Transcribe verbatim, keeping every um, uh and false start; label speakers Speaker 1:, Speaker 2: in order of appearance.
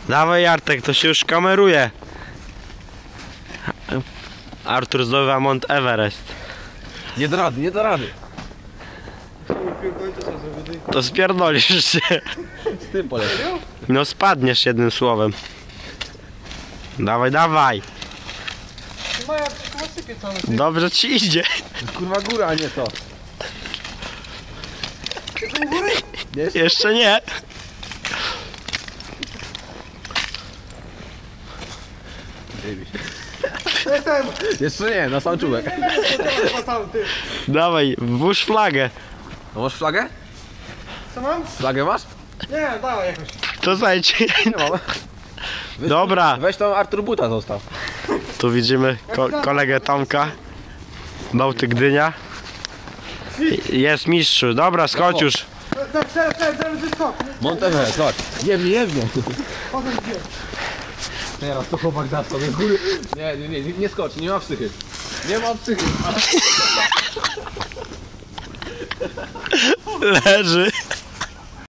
Speaker 1: Dawaj Artek, to się już kameruje. Artur zdobywa Mount Everest.
Speaker 2: Nie da rady, nie da rady.
Speaker 1: To spierdolisz się.
Speaker 2: Z tym poleciał?
Speaker 1: No spadniesz jednym słowem. Dawaj, dawaj. Dobrze ci idzie.
Speaker 2: Kurwa góra, a nie to.
Speaker 1: Jeszcze nie.
Speaker 2: Jeszcze nie, na sam czubek.
Speaker 1: Dawaj, włóż flagę.
Speaker 2: No masz flagę?
Speaker 3: Co mam?
Speaker 2: Flagę masz?
Speaker 3: Nie, dawaj jakoś.
Speaker 1: To zajdź.
Speaker 2: Nie mam. Weź,
Speaker 1: Dobra.
Speaker 2: Weź tam Artur Buta zostaw.
Speaker 1: Tu widzimy ko kolegę Tomka. Bałtyk Gdynia. Jest mistrzu. Dobra, skocz już.
Speaker 3: Tak, teraz, teraz, teraz wyskok.
Speaker 2: Monteverest, chodź. Jemnie, jemnie.
Speaker 3: Potem gdzie?
Speaker 2: Teraz to chłopak da sobie góry. Nie, nie, nie, nie skocz, nie ma psychy. Nie ma psychy.
Speaker 1: Leży.